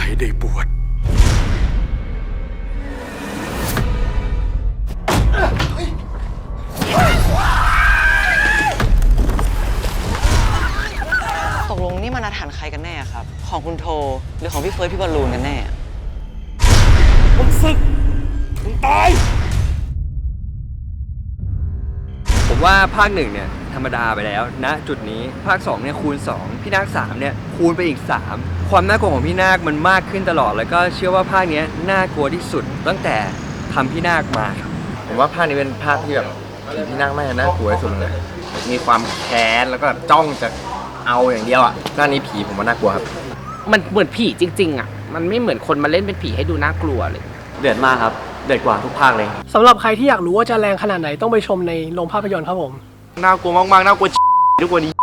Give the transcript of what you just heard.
ให้ได้บวชตกลงนี่มันอาถรรพ์ใครกันแน่ครับของคุณโทหรือของพี่เฟิร์สพี่บอลลูนกันแน่มึงศึกมึงตายผมว่าภาค1เนี่ยธรรมดาไปแล้วณจุดนี้ภาค2เนี่ยคูณ2พี่นาค3เนี่ยคูณไปอีก3ความน่ากลัวของพี่นาคมันมากขึ้นตลอดแล้วก็เชื่อว่าภาคนี้น่ากลัวที่สุดตั้งแต่ทำพี่นาคมาครับผมว่าภาคนี้เป็นภาคที่แบบผีที่นั่งไม่น่ากลัวที่สุดเลยมีความแค้นแล้วก็จ้องจะเอาอย่างเดียวอ่ะภาคนี้ผีผมว่าน่ากลัวครับมันเหมือนผีจริงๆอ่ะมันไม่เหมือนคนมาเล่นเป็นผีให้ดูน่ากลัวเลยเดือดมากครับเดือดกว่าทุกภาคเลยสำหรับใครที่อยากรู้ว่าจะแรงขนาดไหนต้องไปชมในโรงภาพยนตร์ครับผมน่ากลัวมากๆน่ากลัวทุกวันนี้